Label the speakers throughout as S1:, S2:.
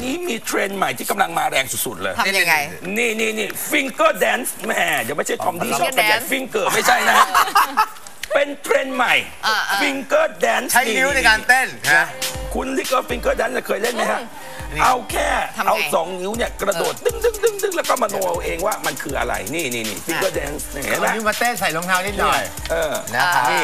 S1: นี้มีเทรนด์ใหม่ที่กำลังมาแรงสุดๆเลย
S2: ทำยังไง
S1: นี่ฟิงเกอร์แดนซ์แม่เดี๋ยวไม่ใช่ทอมดี้ชอบขยันฟิงเกอร์ไม่ใช่นะเป็นเทรนด์ใหม่ฟิงเกอร์แดนซ์
S3: ใช้นิ้วในการเต้น
S1: คุณลิเกอร์ฟิงเกอร์แดนซ์เคยเล่นไหมฮะเอาแค่เอา2 นิ้วเนี่ยกระโดดดึงแล้วก็มโนเอาเองว่ามันคืออะไรนี่ฟิงเกอร์แดนซ์เห็นไหม
S3: นิ้วมาเต้นใส่รองเท้านิดหน่อย
S1: นะครับนี่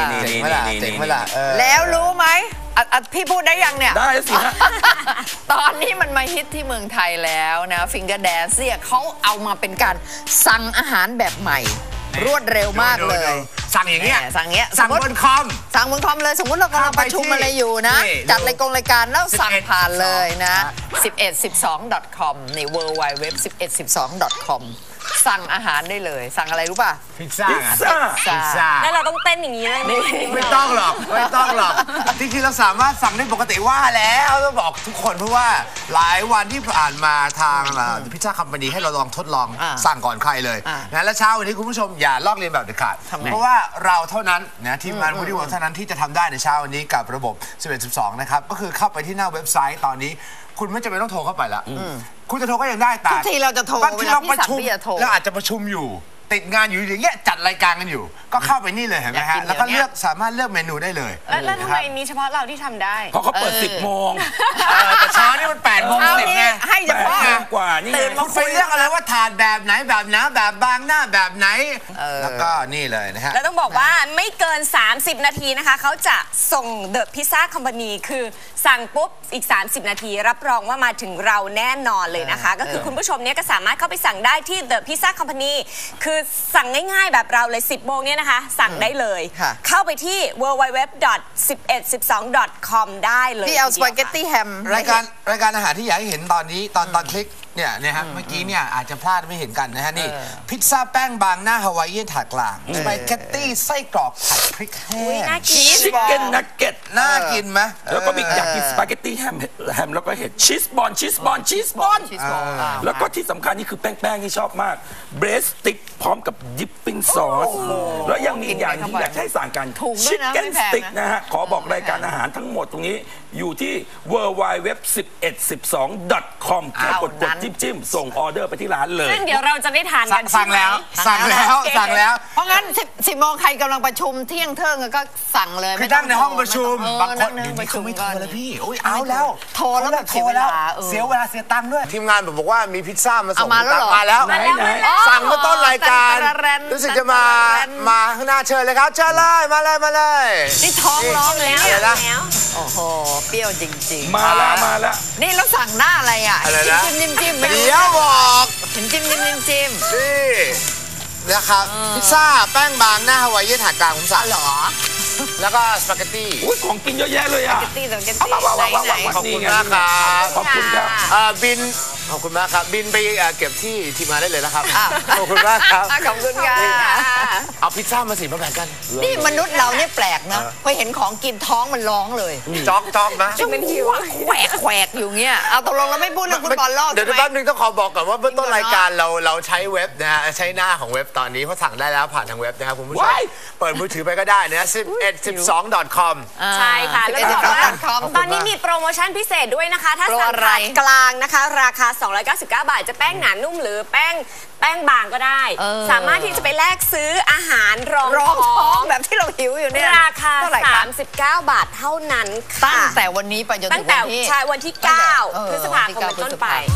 S2: แล้วรู้ไหมพี่พูดได้ยังเนี่ย
S1: ได้สิฮะ
S2: ตอนนี้มันมาฮิตที่เมืองไทยแล้วนะฟิงเกอร์แดนซ์เนี่ยเขาเอามาเป็นการสั่งอาหารแบบใหม่รวดเร็วมากเลย
S3: สั่งอย่างเงี้ยสั่งบนคอม
S2: เลยสมมติเรากำลังประชุมอะไรอยู่นะจัดรายการแล้วสั่งผ่านเลยนะ1112.com ใน www.1112.com สั่งอาหารได้เลยสั่งอะไรรู้ป่ะ
S3: พิซซ่า
S4: แล้วเราต้องเต้นอย่างนี้เลย
S3: ไม่ต้องหรอกจริงๆเราสามารถสั่งได้ปกติว่าแล้วต้องบอกทุกคนเพราะว่าหลายวันที่ผ่านมาทางพิซซ่าคัมพานีให้เราลองทดลองสั่งก่อนใครเลยนะและเช้าวันนี้คุณผู้ชมอย่าลอกเลียนแบบเด็ดขาดเพราะว่าเราเท่านั้นนะทีมงานวูดี้เวิร์คเท่านั้นที่จะทำได้ในเช้าวันนี้กับระบบ1112นะครับก็คือเข้าไปที่หน้าเว็บไซต์ตอนนี้คุณไม่จำเป็นต้องโทรเข้าไปละคุณจะโทรก็ยังได้แต่
S2: บางทีเราจะโทร
S3: บางทีเราประชุมเราอาจจะประชุมอยู่ติดงานอยู่อย่างเงี้ยจัดรายการกันอยู่ก็เข้าไปนี่เลยเห็นไหมฮะแล้วก็สามารถเลือกเมนูได้เลย
S4: แล้วทำไมมีเฉพาะเราที่ทำได้
S1: เพราะเขาเปิด10 โมง
S3: แต่เช้านี่มัน8 โมง 10ไง
S2: ให้เฉพาะ
S1: กว่านี่
S3: ตื่นมาคุยเรื่องอะไรว่าถาดแบบไหนแบบหนาแบบบางหน้าแบบไหนแล้วก็นี่เลยนะฮะ
S4: แล้วต้องบอกว่าไม่เกิน30 นาทีนะคะเขาจะส่งเดอะพิซซ่าคอมพานีคือสั่งปุ๊บอีก30 นาทีรับรองว่ามาถึงเราแน่นอนเลยนะคะก็คือคุณผู้ชมเนี่ยก็สามารถเข้าไปสั่งได้ที่ The Pizza Company คือสั่งง่ายๆแบบเราเลย10 โมงเนี่ยนะคะสั่งได้เลยเข้าไปที่ www.1112.com ได้เลย
S2: ที่เอาสปาเกตตี้แฮม
S3: รายการอาหารที่อยากให้เห็นตอนนี้ตอนคลิกเนี่ยนะฮะเมื่อกี้เนี่ยอาจจะพลาดไม่เห็นกันนะฮะนี่พิซซ่าแป้งบางหน้าฮาวายเอียนถาดกลางสปาเกตตี้ไส้กรอกผัดพริกแห้ง
S1: ชีสบอลนักเก็ต
S3: น่ากินไหม
S1: แล้วก็มีอยากกินสปาเกตตี้แฮมแล้วก็เห็ดชีสบอลแล้วก็ที่สำคัญนี่คือแป้งที่ชอบมากเบรสติ๊กพร้อมกับดิปปิ้งซอสแล้วยังมีอย่างที่อยากให้สั่งกันชิคเก้นสติ๊กนะฮะขอบอกรายการอาหารทั้งหมดตรงนี้อยู่ที่ www.1112.com แค่กดจิ้มส่งออเดอร์ไปที่ร้านเลย
S4: ซึ่งเดี๋ยวเราจะได้ทานกัน
S3: สั่งแล้ว
S2: เพราะงั้น10 โมงใครกำลังประชุมเที่ยงก็สั่งเลย
S3: คือนั่งในห้องประชุมบางคนอยู่นี่เขาไม่โทรแล้วพี่เอาแล้ว
S2: โทรแล้วแบบเสียเวลา
S3: เสียตังค์ด้วยทีมงานบอกว่ามีพิซซ่ามาส่งมาแล้วสั่งเมื่อต้นรายการรู้สึกจะมาข้างหน้าเชิญเลยครับเชิญเลยมาเลย
S2: นี่ท้องร้องแล้วโอ้โหเปรี้ยวจริง
S1: ๆมาแล้ว
S2: นี่เราสั่งหน้าอะไรอ่ะจิ้ม
S3: เดี๋ยวบอก
S2: จิ้ม
S3: นี่นะครับพิซซ่าแป้งบางหน้าฮาวายเอียนถาดกลางผมสั่ง
S2: เหรอ
S3: แล้วก็สปาเกตตี้
S1: ของกินเยอะแยะเลยอ่ะ
S2: สปาเกตตี้
S3: ไหนขอบคุณมากครับ
S1: ขอบคุณครับ
S3: บินขอบคุณมากครับบินไปเก็บที่ทีมงานได้เลยนะครับขอบคุณมากครับ
S2: ขอบคุณค่ะ
S3: เอาพิซซ่ามาสิมาแบ่งกัน
S2: นี่มนุษย์เราเนี่ยแปลกนะพอเห็นของกินท้องมันร้องเลย
S3: จ๊อกนะ
S2: มันหิวแขวกอยู่เงี้ยเอาตกลงเราไม่พูดเรื่องฟุตบอลโลก
S3: เดี๋ยวแป๊บนึงต้องขอบอกก่อนว่าเบื้องต้นรายการเราใช้เว็บนะฮะใช้หน้าของเว็บตอนนี้เพราะสั่งได้แล้วผ่านทางเว็บนะครับคุณผู้ชมเปิดมือถือไปก็ได้นะ1112.com
S4: ใช่ค่ะแล้วก็ตอนนี้มีโปรโมชั่นพิเศษด้วยนะคะถ้าสั่งถาดกลางนะคะราคา299 บาทจะแป้งหนานุ่มหรือแป้งบางก็ได้สามารถที่จะไปแลกซื้ออาหารรองท้อง
S2: แบบที่เราหิวอยู่เนี่ย
S4: ราคา39 บาทเท่านั้นค่ะ
S2: ตั้งแต่วันนี้ไปจนถึงวันที่
S4: วันที่9 พฤษภาคมเป็นต้นไป